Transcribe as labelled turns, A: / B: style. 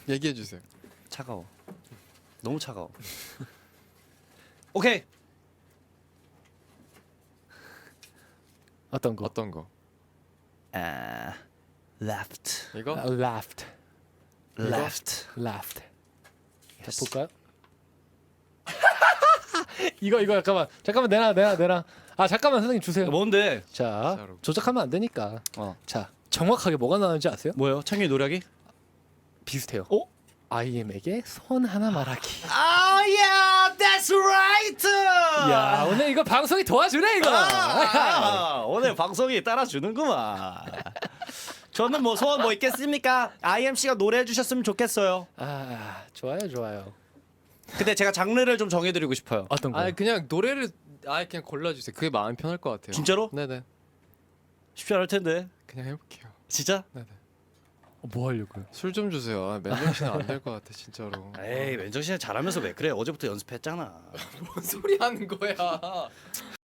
A: 얘기해 주세요.
B: 차가워. 너무 차가워. 오케이.
C: 어떤 거?
A: 어떤 거?
B: 아, left,
A: 이거?
C: left,
B: left.
C: left. 자
B: Yes.
C: 볼까요? 이거 잠깐만 내놔. 아 잠깐만 선생님 주세요.
B: 뭔데?
C: 자
A: 진짜로.
C: 조작하면 안 되니까.
B: 어,
C: 자 정확하게 뭐가 나오는지 아세요?
B: 뭐요? 창균이 노력이?
C: 비슷해요. IM에게 손 하나 말하기.
B: 아, yeah, that's right.
C: 야 오늘 이거 방송이 도와주네 이거.
B: 오늘 방송이 따라주는구만. 저는 뭐 소원 뭐 있겠습니까? IMC가 노래해 주셨으면 좋겠어요.
C: 아 좋아요.
B: 근데 제가 장르를 좀 정해드리고 싶어요.
C: 어떤 거?
A: 아 그냥 노래를 그냥 골라주세요. 그게 마음 편할 것 같아요.
B: 진짜로?
A: 네네.
B: 쉽지 않을 텐데.
A: 그냥 해볼게요.
B: 진짜?
A: 네네.
C: 뭐 하려고요?
A: 술 좀 주세요. 맨정신은 안 될 것 같아 진짜로.
B: 에이, 맨정신에 잘하면서 왜 그래? 어제부터 연습했잖아.
A: 뭔 소리 하는 거야?